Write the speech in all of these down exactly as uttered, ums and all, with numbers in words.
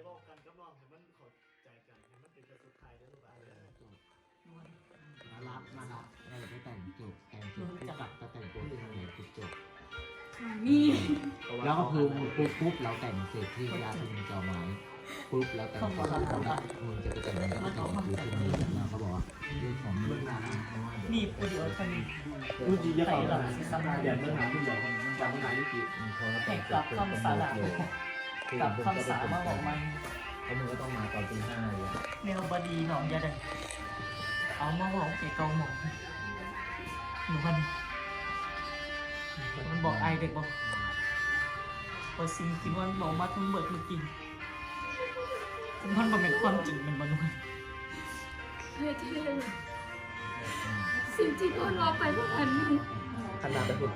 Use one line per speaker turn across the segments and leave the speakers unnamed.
บอกกันกับน้องให้มันเข้าใจกันให้มันเป็นกระสุนไทยได้หรือเปล่า
มารับมารับเราจะไปแต่งจุกแต่งจุกจะกลับมาแต่งตัวที่ทำงานจุกจุก
นี่
แล้วก็คือปุ๊บปุ๊บเราแต่งเสร็จที่ยาทุนจอไม้ปุ๊บแล้วแต่งก็เขาบอกมึงจะไปแต่งก็แต่งอยู่ที่นี่แล้วเขาบอกว่าเรื่องของเรื่องงาน
นี่ประโยชน์คันนี้
รู้จีจะเข้าหลังเดี๋ยวเมื่อหาผู้ใหญ่จำเมื่อหายุติ
ให้กลับคำสาระกลับคำสามาบอกมัน
แล้วมึงก็ต้องมาตอนตีห้าเลย
แนวบดีหนองยาได้เอามาบอกเกี่ยวกับหมอหนูมันมันบอกไอเด็กบอกพอสิ่งที่มันบอกมาทั้งเบิดมันจริงมันเป็นความจริงมันมันมัน
เฮ้ยเท่สิ่งที่เรารอไปเมื่อวันนี้
ขนาดไปพูด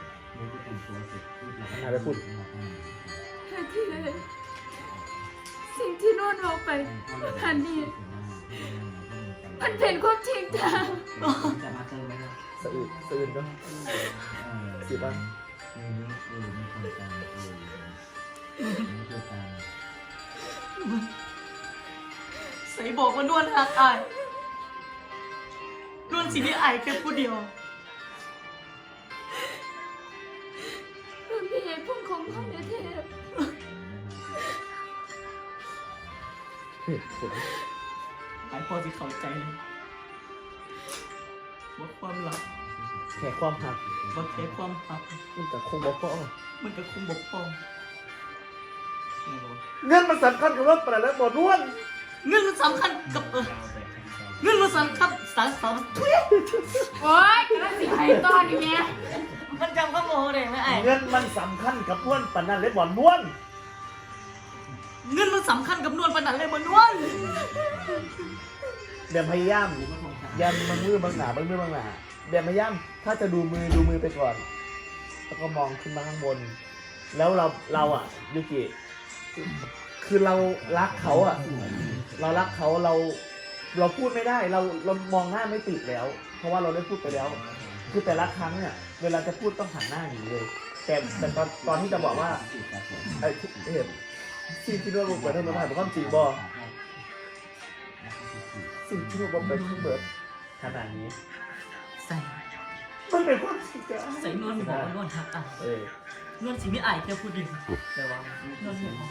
ขนาดไปพูด
เฮ้ยเท่สิ่งที่โน่นรอไปเมื่อวันนี้มันเป็นความจริงจ้า
จะมาเจอไหม
สะอึกสะอึกเนาะสิบ้าง
เออเออมีคนตามเออมีคนตาม
ใส่บอกว่าด้วนหักอายด้วนสิที่อายแค่ผู้เดียว
มันมีเหตุผลของมันเท่
หายพอจะเข้าใจเลยว่าความรัก
แค่ความหัก
ว่าแค่ความรัก
มันแต่คงบอกพ่อ
มันก็คงบกพร่อง
เงินมันสำคัญกับว่าประแล้วหมดล้วน
เงินมันสำคัญกับเออเงินมันสำคัญสารสารทุย
โอ๊ยกระสิไอ้ตอนนี้เนี่ย
มันจำข้อมูลได้ไหมไอ้
เงินมันสำคัญกับล้วนปานนั้นเลยบ่ล้วน
เงินมันสำคัญกับนวลปานนั้นเลยมันนวล
เดี๋ยวพยายามยันบางมือบางหนาบางมือบางหนาเดี๋ยวพยายามถ้าจะดูมือดูมือไปก่อน แล้วก็มองขึ้นมาข้างบน แล้วเราเราอ่ะยูกิคือเรารักเขาอ่ะ เรารักเขาเราเราพูดไม่ได้ เราเรามองหน้าไม่ติดแล้ว เพราะว่าเราได้พูดไปแล้ว คือแต่ละครั้งเนี่ยเวลาจะพูดต้องหันหน้าหนีเลย แต่แต่ตอนตอนที่จะบอกว่าไอ้เห็นสิ่งที่เราบอกไปทั้งหมดเป็นความจริงบ่สิ่งที่เราบอกไปทั้งหมดขนาดนี้
ใส่
มันเป็นความจริงจ้ะ
ใส่นวลบอกว่านวลหักอ่ะ
เออน
วลสิไม่อายแค่ผู้เดียว
ได้วะ
นวลของ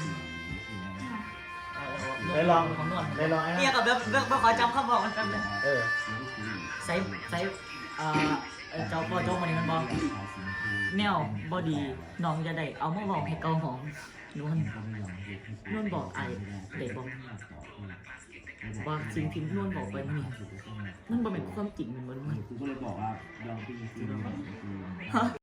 ได้ลอง
ของนวล
ได้ลองไอ้
เนี่ย
นะ
กับแบบแบบขอจำคำบอกมันจำเลย
เออ
ใส่ใส่เอ่อเจ้าพ่อโจ้มานี่มันบอกแนวบอดีน้องจะได้เอามาบอกให้เกาหอมนวลนวลบอกไอ้เด็กบอกว่าสิ่งที่นวลบอกไปมันมันบ่เป็นความจริงมันมัน
กูก็เลยบอกว่ายอมพี่